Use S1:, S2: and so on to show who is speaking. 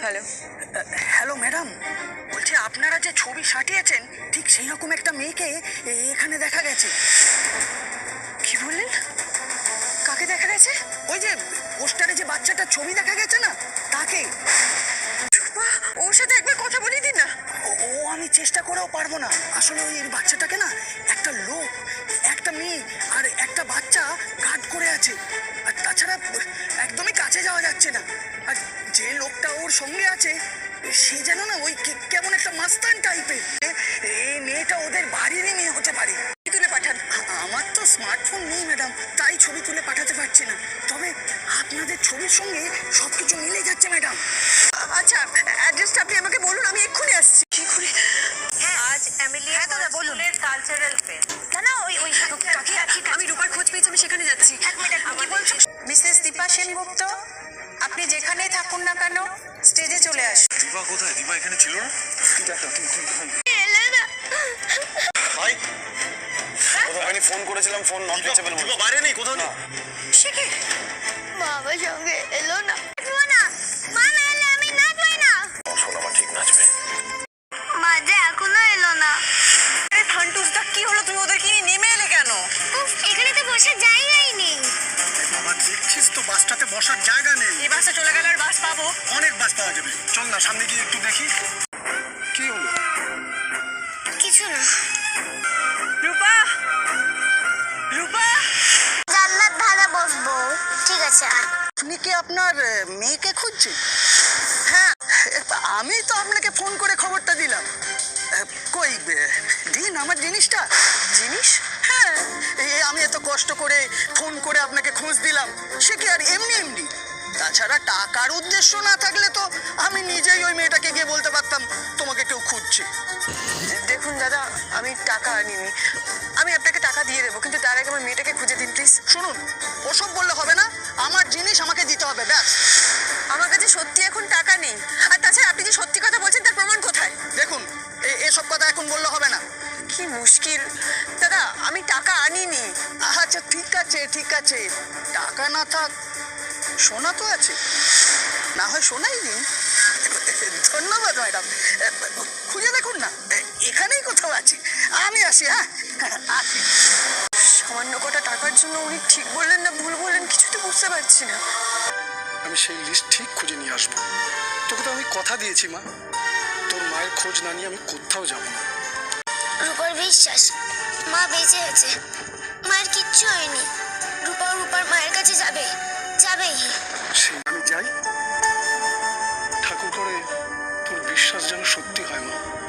S1: Hello.
S2: Hello madam, বলছি আপনারা যে ছবি সাটিয়েছেন ঠিক সেই রকম একটা মেয়েকে এখানে দেখা গেছে।
S1: কি বললেন? কাকে দেখা গেছে?
S2: ওই যে পোস্টারে যে বাচ্চাটার ছবি দেখা গেছে না, তাকে।
S1: বাহ, ওর সাথে একবার কথা বলিয়ে দিন না।
S2: ও আমি চেষ্টা করেও পারবো না। আসলে ওই বাচ্চাটাকে না একটা লোক, একটা মেয়ে আর একটা বাচ্চা গার্ড করে আছে। আর তাছাড়া একদমই কাছে যাওয়া যাচ্ছে না। আর যে লোকটা ওর সঙ্গে আছে সে যেন না ওই কেমন একটা মাস্তান টাইপের। এই মেয়েটা ওদের বাড়িরই মেয়ে হতে পারে।
S1: তুলে পাঠান।
S2: আমার তো স্মার্টফোন নেই ম্যাডাম, তাই ছবি তুলে পাঠাতে পারছি না। তবে আপনাদের ছবির সঙ্গে সবকিছু মিলে যাচ্ছে ম্যাডাম।
S1: আচ্ছা, অ্যাড্রেসটা আপনি আমাকে বলুন, আমি এক্ষুনি আসছি। কি করে?
S3: আজ এমিলিয়া
S1: দাদা বলুন।
S3: Cultural fest. না ওই
S1: কাকি, আমি রূপার খোঁজ পেয়েছি, আমি সেখানে যাচ্ছি।
S3: এক মিনিট, কি বলছো?
S1: মিসেস দীপা সেনগুপ্ত, আপনি যেখানেই থাকুন না কেন স্টেজে চলে আসুন।
S4: দীপা কোথায়? দীপা এখানে ছিল না?
S5: ভাই কোথাও আমি ফোন করেছিলাম, ফোন নট রিচেবল।
S4: দীপা বাইরে নেই, কোথাও নেই।
S1: সে কি?
S3: বাবা সঙ্গে এলো না। মা না এলে আমি নাচবই না।
S5: শোনো, মা ঠিক নাচবে।
S3: মা যে এখনো এলো না।
S1: আরে ফান্টুসদা, কি হলো? তুমি ওদেরকে নিয়ে নেমে এলে কেন?
S3: উফ, এখানে তো বসার জায়গাই নেই।
S4: বাবা দেখছিস তো বাসটাতে বসার জায়গা নেই।
S1: এই বাসটা চলে গেলে আর বাস পাবো?
S4: অনেক বাস পাওয়া যাবে, চল না সামনে গিয়ে একটু দেখি কি হলো।
S3: কিছু না।
S1: রূপা, রূপা,
S3: জান্নাত ধারে বসবো। ঠিক আছে।
S2: আপনি কি আপনার মেয়েকে খুঁজছেন? হ্যাঁ, আমি তো আপনাকে ফোন করে খবরটা দিলাম। কই দিন আমার জিনিসটা।
S1: জিনিস?
S2: হ্যাঁ, আমি এত কষ্ট করে ফোন করে আপনাকে খোঁজ দিলাম, সে কি আর এমনি এমনি? তাছাড়া টাকার উদ্দেশ্য না থাকলে তো আমি নিজেই ওই মেয়েটাকে গিয়ে বলতে পারতাম তোমাকে কেউ খুঁজছে।
S1: দেখুন দাদা, আমি টাকা আনিনি। আমি আপনাকে টাকা দিয়ে দেবো, কিন্তু তার আগে আমার মেয়েটাকে খুঁজে দিন প্লিজ।
S2: শুনুন, ওসব বললে হবে না, আমার জিনিস আমাকে দিতে হবে, ব্যাস।
S1: আমার কাছে সত্যি এখন টাকা নেই। আর তাছাড়া আপনি যে সত্যি কথা বলছেন তার প্রমাণ কোথায়?
S2: দেখুন, এসব কথা এখন বললে হবে না।
S1: কি মুশকিল দাদা, আমি টাকা আনিনি।
S2: আচ্ছা ঠিক আছে ঠিক আছে, টাকা না থাক সোনা তো আছে, না হয় সোনাই দিন। ধন্যবাদ ম্যাডাম, খুঁজে দেখুন না, এখানেই কোথাও আছে। আমি আসি, হ্যাঁ আসি।
S1: সামান্য কটা টাকার জন্য উনি ঠিক বললেন না ভুল বললেন কিছু তো বুঝতে পারছি না।
S4: আমি সেই লিস্ট ঠিক খুঁজে নিয়ে আসবো। তোকে তো আমি কথা দিয়েছি মা, তোর মায়ের খোঁজ না নিয়ে আমি কোথাও যাবো না।
S3: রূপার বিশ্বাস মা বেঁচে আছে। মায়ের কিচ্ছু হয়নি। রূপার মায়ের কাছে যাবেই।
S4: সেই আমি যাই, ঠাকুর করে তোর বিশ্বাস যেন সত্যি হয় মা।